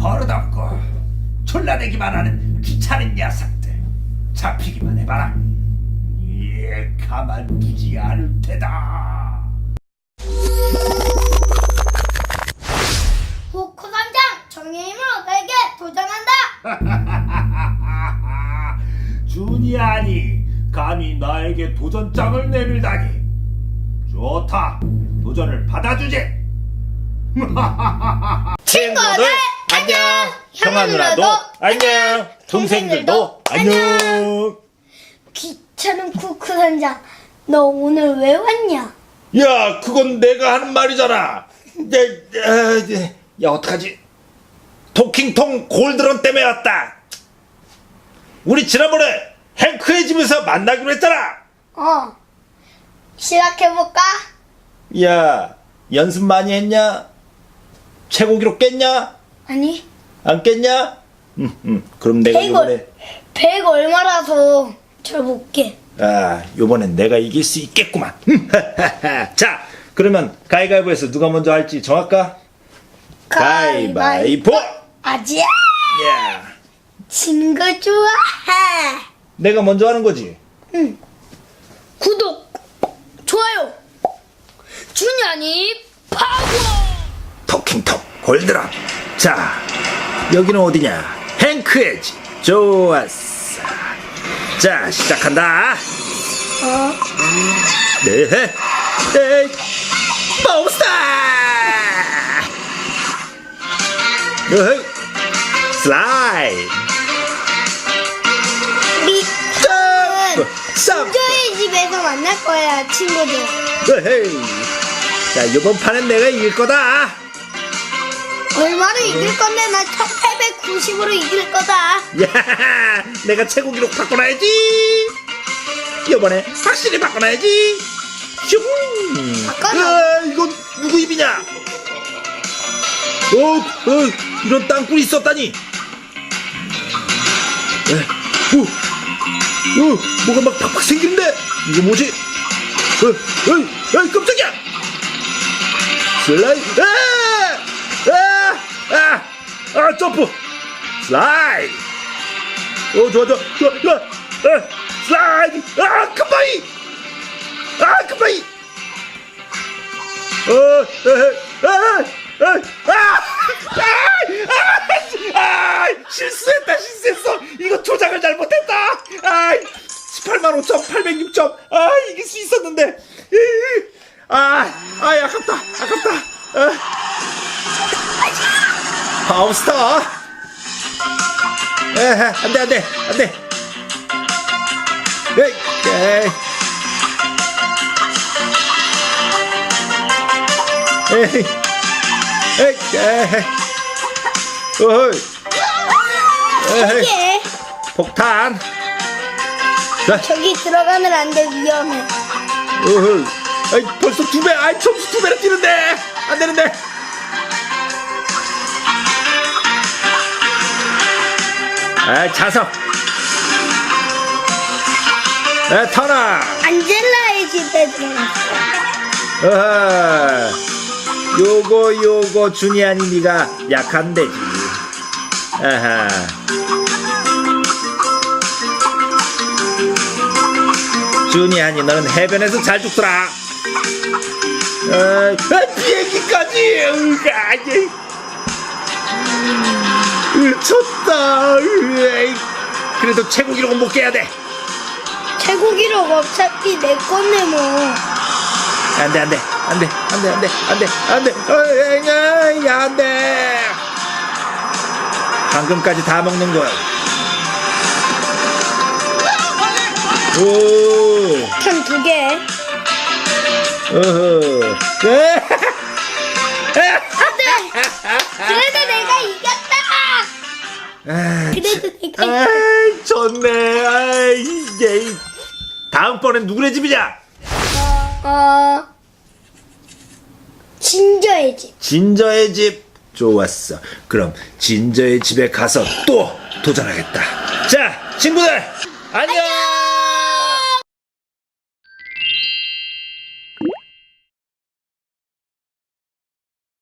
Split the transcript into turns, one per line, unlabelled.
버릇없고 졸라대기만 하는 귀찮은 녀석들 잡히기만 해봐라. 가만두지 않을 테다.
후쿠선장 정의 힘으로 내게 도전한다.
주니아니 감히 나에게 도전장을 내밀다니. 좋다, 도전을 받아주지.
친구들 안녕. 형아 누나도
안녕.
동생들도
안녕.
귀찮은 쿠쿠선장, 너 오늘 왜 왔냐?
야, 그건 내가 하는 말이잖아. 야, 어떡하지? 토킹통 골드런 때문에 왔다. 우리 지난번에 행크의 집에서 만나기로 했잖아.
시작해볼까?
야, 연습 많이 했냐? 최고 기록 깼냐?
아니,
안 깼냐? 그럼 내가 요번에
100 얼마라서 잘 못게.
요번엔 내가 이길 수 있겠구만. 자, 그러면 가위바위보에서 누가 먼저 할지 정할까? 가위바위보!
아지야,
야,
진 거 좋아해.
내가 먼저 하는 거지.
구독, 좋아요, 준현이 파워.
토킹톡 골드런. 자, 여기는 어디냐? 행크의 집. 좋았어. 자, 시작한다. 네, 몬스터! 슬라이드.
미터는
쌈.
저희 집에서 만날 거야, 친구들.
자, 이번 판은 내가 이길 거다.
얼마로 이길 건데 나 1890으로 이길 거다.
야, 내가 최고 기록 바꿔놔야지. 이번에 확실히 바꿔놔야지. 슝.
바꿔놔.
이건 누구 입이냐? 이런 땅굴이 있었다니. 뭐가 막 팍팍 생기는데? 이거 뭐지? 깜짝이야. 슬라이드. 점프. 슬라이드. 좋아. 슬라이드. 컴바이. 컴바이. 실수했어. 이거 조작을 잘못했다. 185,806점. 이길 수 있었는데. 아깝다. 파워스터. 안돼.
저기,
폭탄.
저기 들어가면 안 돼, 위험해.
벌써 2배. 점수 2배로 뛰는데 안 되는데. 자석. 터너.
안젤라의 집에 들어갔어.
요거 주니아니 니가 약한데지. 주니아니 너는 해변에서 잘 죽더라. 비행기까지. 쳤다. 그래도 최고 기록은 못 깨야 돼.
최고 기록 어차피 내 건데 뭐.
안돼. 방금까지 다 먹는 거야.
편 2개. 그래도 내가 이겼다. 그래도 내가 이겼다.
좋네. 이게 다음번엔 누구네 집이냐?
진저의 집.
진저의 집. 좋았어. 그럼 진저의 집에 가서 또 도전하겠다. 자, 친구들 안녕.